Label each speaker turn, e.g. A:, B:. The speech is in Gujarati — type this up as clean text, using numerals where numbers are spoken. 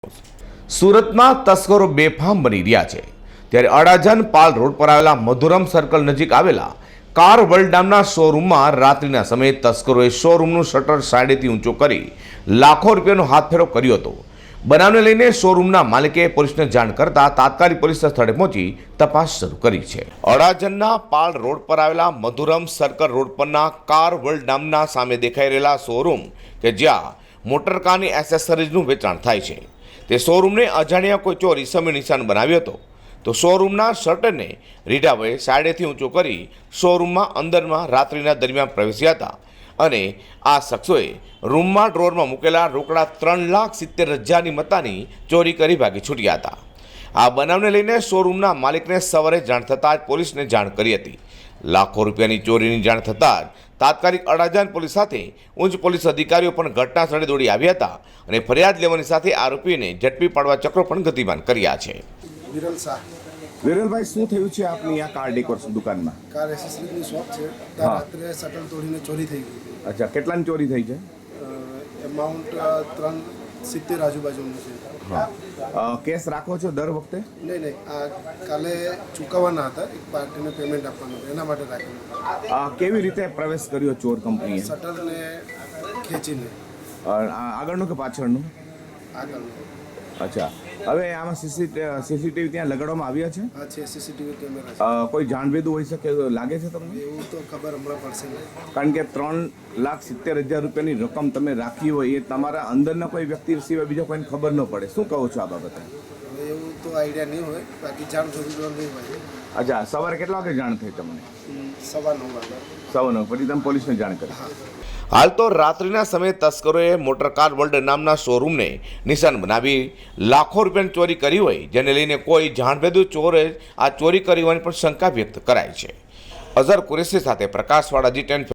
A: સુરતમાં તસ્કરો બેફામ બની રહ્યા છે ત્યારે અડાજણ પાલ રોડ પર આવેલા મધુરમ સર્કલ નજીક આવેલા કાર વર્લ્ડ નામના શોરૂમમાં રાત્રિના સમયે તસ્કરોએ શોરૂમનું શટર સાઈડેથી ઊંચો કરી લાખો રૂપિયાનો હાથફેરો કર્યો હતો। બનાવને લઈને શોરૂમના માલિકે પોલીસને જાણ કરતા તાત્કાલિક પોલીસ સ્થળે પહોંચી તપાસ શરૂ કરી છે। અડાજણના પાલ રોડ પર આવેલા મધુરમ સર્કલ રોડ પરના કાર વર્લ્ડ નામના સામે દેખાઈ રહેલા શોરૂમ કે જ્યાં મોટરકારની એસેસરીઝનું વેચાણ થાય છે તે શોરૂમને અજાણ્યા કોઈ ચોર ઈસમે નિશાન બનાવ્યો હતો તો શોરૂમના શટરને રીઢાભાઈએ સાઈડેથી ઊંચો કરી શોરૂમમાં અંદરમાં રાત્રિના દરમિયાન પ્રવેશ્યા હતા અને આ શખ્સોએ રૂમમાં ડ્રોરમાં મૂકેલા રોકડા 3,70,000ની મત્તાની ચોરી કરી ભાગી છૂટ્યા હતા। આ બનાવને લઈને શોરૂમના માલિકને સવારે જાણ થતાં જ પોલીસને જાણ કરી હતી। લાખો રૂપિયાની ચોરીની જાણ થતાં જ તાત્કાલિક અડાજણ પોલીસ સાથે ઉચ્ચ પોલીસ અધિકારીઓ પણ ઘટના સ્થળે દોડી આવ્યા હતા અને ફરિયાદ લેવાની સાથે આરોપીને ઝડપી પાડવા ચક્રો પણ ગતિમાન કર્યા છે।
B: વિરલ શાહ।
C: વિરલભાઈ, શું થયું છે આપની આ કાર ડેકોર દુકાનમાં?
B: કાર એસેસરીની શોપ છે ત્યાં રાત્રે શટર તોડીને ચોરી થઈ ગઈ।
C: અચ્છા, કેટલાની ચોરી થઈ છે?
B: એમાઉન્ટ 370 આજુબાજુનું છે।
C: હા, કેસ રાખો છો દર વખતે?
B: નહીં, આ કાલે ચૂકવવાના હતા, એક પાર્ટીને પેમેન્ટ આપવાનું એના માટે રાખેલું।
C: કેવી રીતે પ્રવેશ કર્યો ચોર કંપનીએ?
B: શટરને ખેંચીને।
C: આગળનું કે પાછળનું?
B: આગળનું।
C: અચ્છા, હવે આમાં સીસીટીવી ત્યાં લગાડવામાં આવ્યા છે?
B: હા છે, સીસીટીવી કેમેરા છે।
C: કોઈ જાણભેદું હોઈ શકે લાગે છે તમને?
B: એવું તો ખબર હમણાં પડશે નહીં,
C: કારણ કે 3,70,000 રૂપિયાની રકમ તમે રાખી હોય એ તમારા અંદરના કોઈ વ્યક્તિ સિવાય બીજા કોઈને ખબર ન પડે। શું કહો છો આ બાબતે?
B: હવે એવું તો આઈડિયા નહીં હોય, બાકી જાણ થતી તો નહીં હોય।
C: અચ્છા, સવારે કેટલા વાગે જાણ થઈ તમને?
B: 9:15 વાગે।
C: 9:15 પછી તમે પોલીસને જાણ કરી?
A: હાલ તો રાત્રિના સમયે તસ્કરોએ મોટરકાર વર્લ્ડ નામના શોરૂમને નિશાન બનાવી લાખો રૂપિયાની ચોરી કરી હોય જેને લઈને કોઈ જાણભેદુ ચોરે આ ચોરી કરી હોવાની પણ શંકા વ્યક્ત કરાઈ છે। અઝર કુરેશી સાથે પ્રકાશવાળા G10